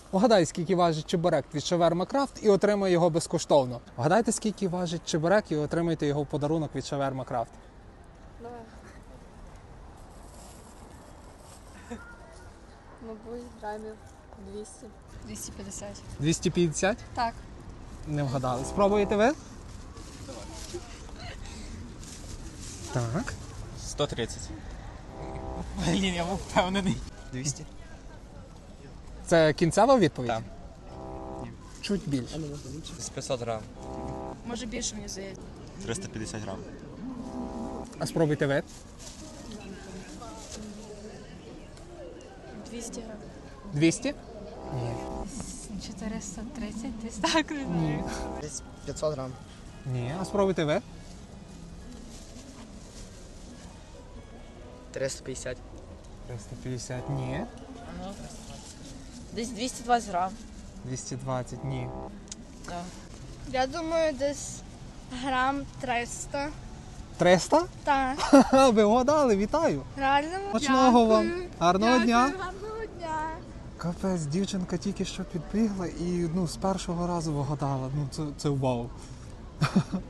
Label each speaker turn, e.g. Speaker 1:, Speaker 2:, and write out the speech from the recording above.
Speaker 1: Угадай, скільки важить чебурек від Шаверма Крафт і отримай його безкоштовно. Вгадайте, скільки важить чебурек і отримайте його в подарунок від Шаверма Крафт.
Speaker 2: Давай. Мабуть, грамів 200. 250.
Speaker 1: 250?
Speaker 2: Так.
Speaker 1: Не вгадали. Спробуєте ви? Так.
Speaker 3: 130. Блін, я був впевнений. 200.
Speaker 1: Це кінцева відповідь?
Speaker 3: Так.
Speaker 1: Чуть більше.
Speaker 3: З 500 грам.
Speaker 2: Може більше, мені здається.
Speaker 3: 350 грам.
Speaker 1: А спробуйте ви?
Speaker 2: 200 грам.
Speaker 1: 200? Ні.
Speaker 2: 430, десь так, не знаю.
Speaker 4: Десь 500 грам.
Speaker 1: Ні. А спробуйте ви?
Speaker 4: 350.
Speaker 1: 350? Ні.
Speaker 2: Десь 220 грам.
Speaker 1: 220? Ні.
Speaker 5: Я думаю, десь грам 300.
Speaker 1: 300?
Speaker 5: Так.
Speaker 1: Ха-ха, ви вгадали, вітаю.
Speaker 5: Реально?
Speaker 1: Смачного вам. Гарного дня.
Speaker 5: Гарного дня.
Speaker 1: Капець, дівчинка тільки що підбігла і з першого разу вгадала. Це вау.